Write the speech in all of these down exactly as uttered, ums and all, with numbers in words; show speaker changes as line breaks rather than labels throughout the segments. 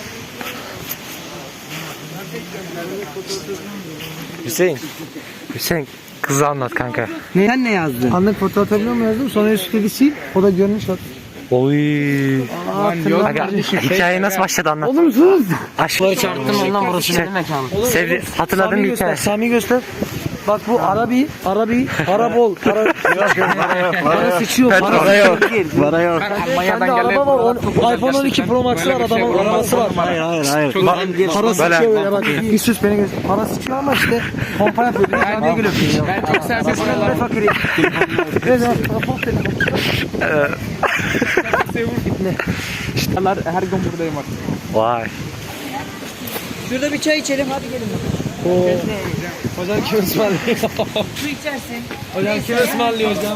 Hüseyin. Hüseyin kızı anlat kanka.
Ne? Sen ne yazdın?
Anlık foto atabiliyor mu yazdım? Sonra üstüne bir sil. O da görünüş at.
Oy.
Aa,
Kanka, hikaye nasıl başladı anlat.
Oğlum sus.
Aşk.
Çarptım ondan burası benim mekanım.
Sevdi. Hatırladın
Sami
mı
göster.
hikaye?
Sami göster. Bak bu Arabi, Arabi, Arabol, para, para sıçıyor, para
yok.
Para yok. Bende araba var, on, iPhone on iki Pro Max var, adamın arabası var. Hayır, hayır, hayır. Para sıçıyor böyle bak. Bir sus beni göster. Para sıçıyor ama işte pompa yapıyor. Kendine gülüyor.
Ben çok serbest
Ben fakiri. Evet, rapor telefon.
her gün buradayım artık.
Vay.
Şurada bir çay içelim hadi gelin.
Hocam kim ısmarlıyor?
Su içersin.
Hocam kim ısmarlıyor hocam?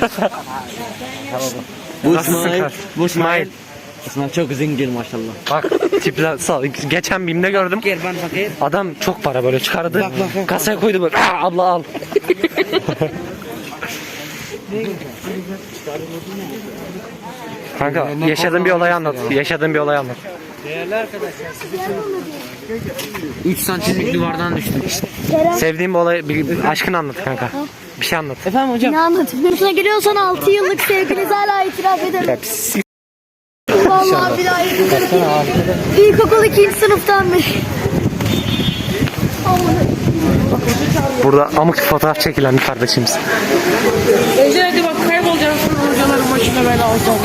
Bu
Nasılsın
İsmail.
kar?
Bu İsmail. İsmail çok zengin maşallah.
Bak tipler sağ. Geçen BİM'de gördüm.
Gel ben fakir.
Adam çok para böyle çıkardı.
Bak, bak, bak.
Kasaya koydu böyle. Aa, abla al. Kanka yaşadığın bir olay anlat. Yaşadığın bir olay anlat.
üç santimlik duvardan düştüm.
Sevdiğin bir olay, bir aşkını anlat kanka. Bir şey anlat.
Efendim hocam.
Ne anlatayım? Sınıfına giriyorsan altı yıllık sevginize hala itiraf ederim. Vallahi bir daha itiraf ederim. İlkokul ikinci sınıftan beri.
Burada amık fotoğraf çekilen bir kardeşimiz.
Ece hadi bak kaybolacaksın hocaların başına bela olacak.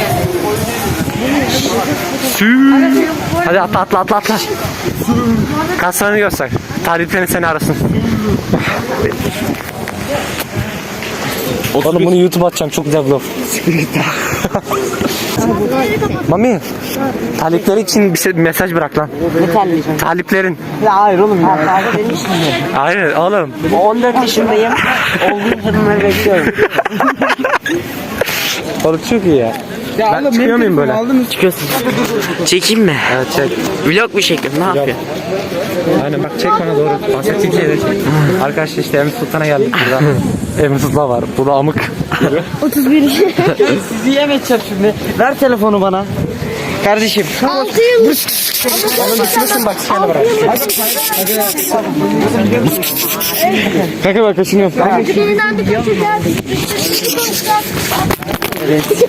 Sü. Hadi atla atla atla atla. Kaslarını göster. Taliplerin seni arasın. Oğlum bunu YouTube'a atacağım, çok güzel vlog. Mami, talipleri için bir şey- mesaj bırak lan.
Ne terleyeceğim?
Taliplerin.
Ya hayır oğlum ya. Kahve benim işim mi?
Hayır oğlum.
on dört yaşındayım. Olduğum kadınları bekliyorum.
Oğlum çok iyi ya. Ben çıkıyor muyum böyle?
Çıkıyorsun. Çekeyim mi?
Evet çek.
Vlog mu çekiyorsun? Ne yapıyorsun?
Aynen bak çek bana doğru. Bahsettiğim şeyleri çek. Arkadaşlar işte Emir Sultan'a geldik burada. Emir Sultan var. Bu da amık.
otuz bir.
Sizi yem edeceğim şimdi. Ver telefonu bana. Kardeşim.
altı yıllık.
Düşmesin bak şöyle bırak. Kanka bak kaşınıyorum.
Birinden bir kaçıracağız.